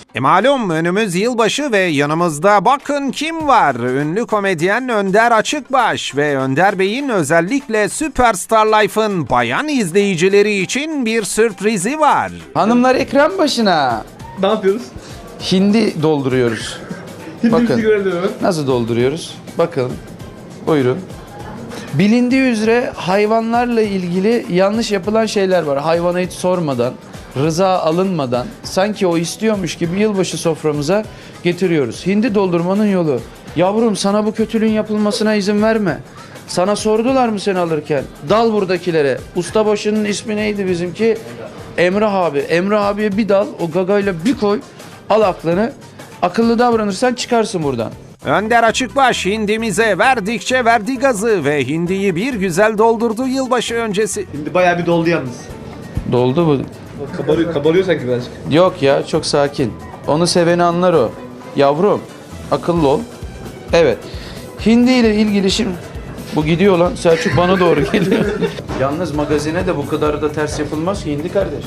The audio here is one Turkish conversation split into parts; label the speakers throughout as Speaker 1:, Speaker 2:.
Speaker 1: Malum önümüz yılbaşı ve yanımızda bakın kim var? Ünlü komedyen Önder Açıkbaş ve Önder Bey'in özellikle Superstar Life'ın bayan izleyicileri için bir sürprizi var.
Speaker 2: Hanımlar ekran başına.
Speaker 3: Ne yapıyoruz?
Speaker 2: Hindi dolduruyoruz. Bakın nasıl dolduruyoruz? Bakın. Buyurun. Bilindiği üzere hayvanlarla ilgili yanlış yapılan şeyler var. Hayvana hiç sormadan, rıza alınmadan sanki o istiyormuş gibi yılbaşı soframıza getiriyoruz. Hindi doldurmanın yolu. Yavrum sana bu kötülüğün yapılmasına izin verme. Sana sordular mı seni alırken? Dal buradakilere. Ustabaşının ismi neydi bizimki? Emrah abi. Emrah abiye bir dal, o gagayla bir koy. Al aklını. Akıllı davranırsan çıkarsın buradan.
Speaker 1: Önder Açıkbaş hindimize verdikçe verdi gazı ve hindiyi bir güzel doldurdu yılbaşı öncesi.
Speaker 3: Şimdi bayağı bir doldu yalnız.
Speaker 2: Doldu bu.
Speaker 3: Kabarıyor sanki birazcık.
Speaker 2: Yok ya, çok sakin. Onu seveni anlar o. Yavrum akıllı ol. Evet. Hindi ile ilgili şimdi... Bu gidiyor lan. Selçuk bana doğru geliyor. Yalnız magazine de bu kadar da ters yapılmaz ki hindi kardeş.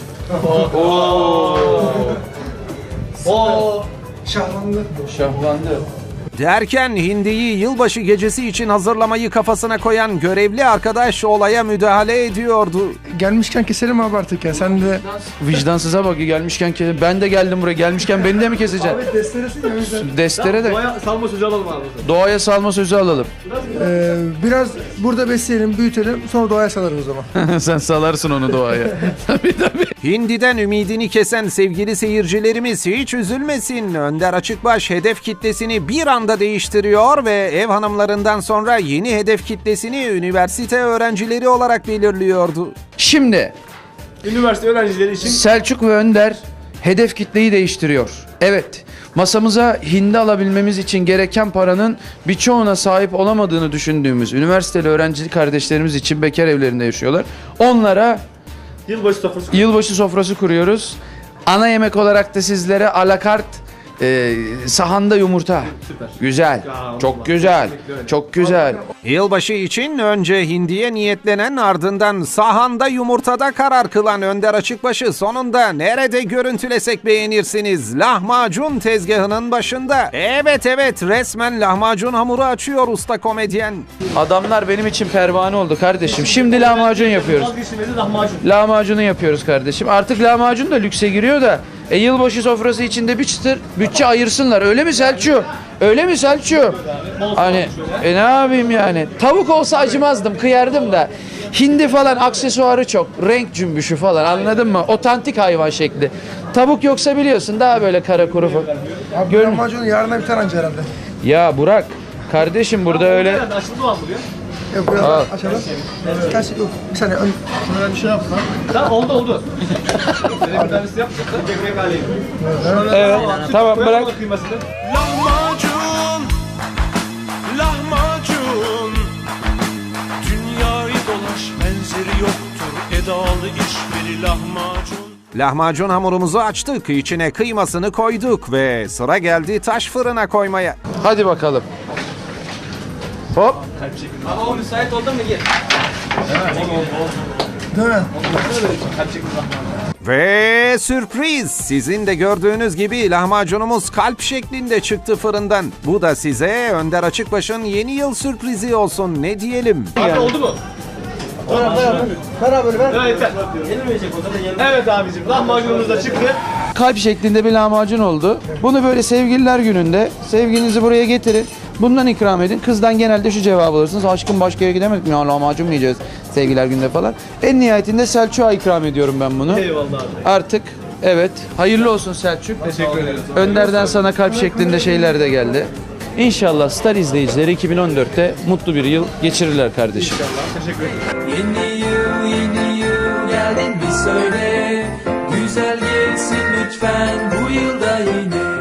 Speaker 2: Şahlandı.
Speaker 1: Derken hindiyi yılbaşı gecesi için hazırlamayı kafasına koyan görevli arkadaş olaya müdahale ediyordu.
Speaker 4: Gelmişken keselim abi artık ya. Sen de...
Speaker 2: Vicdansıza bak, gelmişken ben de geldim buraya. Gelmişken beni de mi keseceksin?
Speaker 4: Abi desteresin ya. Bizden.
Speaker 2: Destere de
Speaker 3: Doğaya salma sözü alalım abi.
Speaker 2: doğaya salma sözü alalım.
Speaker 4: Biraz burada besleyelim, büyütelim. Sonra doğaya salarız o zaman.
Speaker 2: Sen salarsın onu doğaya. Tabii.
Speaker 1: Hindiden ümidini kesen sevgili seyircilerimiz hiç üzülmesin. Önder Açıkbaş hedef kitlesini bir anda değiştiriyor ve ev hanımlarından sonra yeni hedef kitlesini üniversite öğrencileri olarak belirliyordu.
Speaker 2: Şimdi
Speaker 3: Üniversite öğrencileri için
Speaker 2: Selçuk ve Önder hedef kitleyi değiştiriyor. Evet, masamıza hindi alabilmemiz için gereken paranın birçoğuna sahip olamadığını düşündüğümüz üniversiteli öğrenci kardeşlerimiz için bekar evlerinde yaşıyorlar. Onlara yılbaşı sofrası kuruyoruz. Ana yemek olarak da sizlere alakart sahanda yumurta.
Speaker 3: Süper.
Speaker 2: Güzel. Çok güzel. Çok güzel.
Speaker 1: Yılbaşı için önce hindiye niyetlenen ardından sahanda yumurtada karar kılan Önder Açıkbaş'ı sonunda nerede görüntülesek beğenirsiniz? Lahmacun tezgahının başında. Evet resmen lahmacun hamuru açıyor usta komedyen.
Speaker 2: Adamlar benim için pervane oldu kardeşim. Şimdi lahmacun yapıyoruz.
Speaker 3: vazgeçilmezi lahmacun.
Speaker 2: Lahmacunu yapıyoruz kardeşim. Artık lahmacun da lükse giriyor da. Yılbaşı sofrası içinde bir çıtır bütçe ayırsınlar. Öyle mi Selçuk? Öyle mi Selçuk? Hani ne yapayım yani? Tavuk olsa acımazdım, kıyardım da. Hindi falan aksesuarı çok. Renk cümbüşü falan, anladın mı? Otantik hayvan şekli. Tavuk yoksa biliyorsun daha böyle kara kuru falan.
Speaker 4: Abi lahmacun yarına biter anca herhalde.
Speaker 2: Ya Burak, kardeşim burada öyle...
Speaker 3: Açıldı mı buraya?
Speaker 4: Yok biraz açalım. Kaç yok. Bir saniye.
Speaker 3: Şöyle bir şey yapma. Tamam oldu. Şöyle bir tanesi yap. Gevrek haleyim.
Speaker 2: Evet, tamam bırak.
Speaker 5: Lahmacun dünyayı dolaş, benzeri yoktur, edalı işveri lahmacun.
Speaker 1: Lahmacun hamurumuzu açtık, içine kıymasını koyduk ve sıra geldi taş fırına koymaya.
Speaker 2: Hadi bakalım. Hop.
Speaker 3: Ama o müsait oldu mu gir.
Speaker 4: Değil mi?
Speaker 1: Ve sürpriz! Sizin de gördüğünüz gibi lahmacunumuz kalp şeklinde çıktı fırından. Bu da size Önder Açıkbaş'ın yeni yıl sürprizi olsun, ne diyelim.
Speaker 3: Abi oldu mu?
Speaker 4: Ver abi ver.
Speaker 3: Evet yeter. Evet abicim, lahmacunumuz da çıktı.
Speaker 2: Kalp şeklinde bir lahmacun oldu. Bunu böyle sevgililer gününde sevgilinizi buraya getirin. Bundan ikram edin. Kızdan genelde şu cevabı alırsınız. Aşkım başka yere gidemedik mi? Ya lahmacun mu yiyeceğiz sevgililer gününde falan. En nihayetinde Selçuk'a ikram ediyorum ben bunu.
Speaker 3: Eyvallah abi.
Speaker 2: Artık evet. Hayırlı olsun Selçuk.
Speaker 3: Teşekkür ederim.
Speaker 2: Önder'den sana kalp şeklinde şeyler de geldi. İnşallah Star izleyicileri 2014'te mutlu bir yıl geçirirler kardeşim.
Speaker 3: Teşekkür ederim.
Speaker 6: Yeni yıl geldin mi söyle. Güzel geçsin lütfen bu yılda yine.